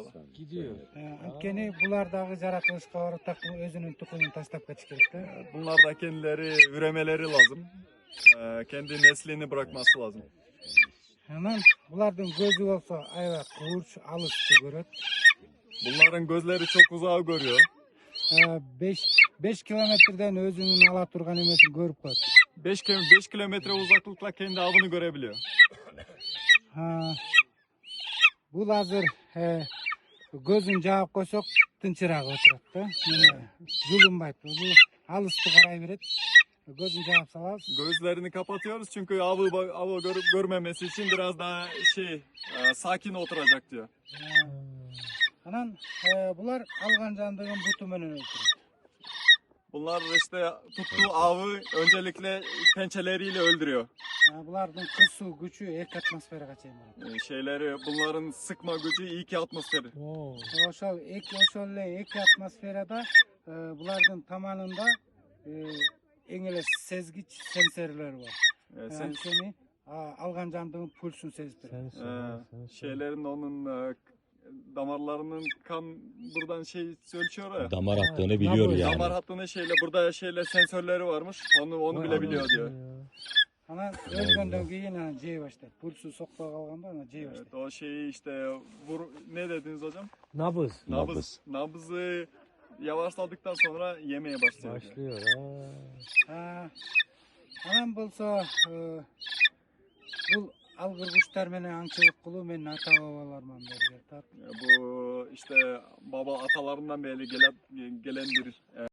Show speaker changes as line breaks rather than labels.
inşallah.
Gidiyor.
Antkeni bulardagı jaratılışka baratak özünün tukumunu taşlap ketiş kerek da.
Bunlar da kendileri üremeleri lazım. Kendi neslini bırakması lazım.
Anam bulardın gözü olsa ayva kıvırç alıştı göröt.
Bunların gözleri çok uzağı görüyor.
5 kilometreden özünün ala turgan emesin görüp koydu.
5 kilometre uzaklıkla kendi avını görebiliyor.
Bu hazır gözün cevap koysak tınçırağı oturat da. Zulüm bu alıştı karay veret. Gözün cevap salaz.
Gözlerini kapatıyoruz çünkü avı görüp görmemesi için biraz daha sakin oturacak diyor.
Anan bular algan candığın butu menen öldürür.
Bunlar işte tuttuğu avı öncelikle pençeleriyle öldürüyor.
Bulardın kısu gücü ek atmosfere kaçayım.
Bunların sıkma gücü 2 atmosferi.
Oşol ek atmosferada bulardın tamanında engele sezgiç sensörler var. Yani seni algan candığın pulsunu sezdirir.
Onun damarlarının kan buradan ölçüyor ya.
Damar attığını biliyor yani.
Damar hattının burada sensörleri varmış. Onu bile biliyor diyor.
Ana özgönden keyin cey başlar. Pulsu sokpa kalganda ana cey başlar.
Evet, o ne dediniz hocam?
Nabız.
Nabızı yavaşladıktan sonra yemeye başlıyor.
Anam bolsa bu algır kuşlar menen аңчылык кылуу менин ата babalarımdan beri.
Bu baba atalarından beri gelen bir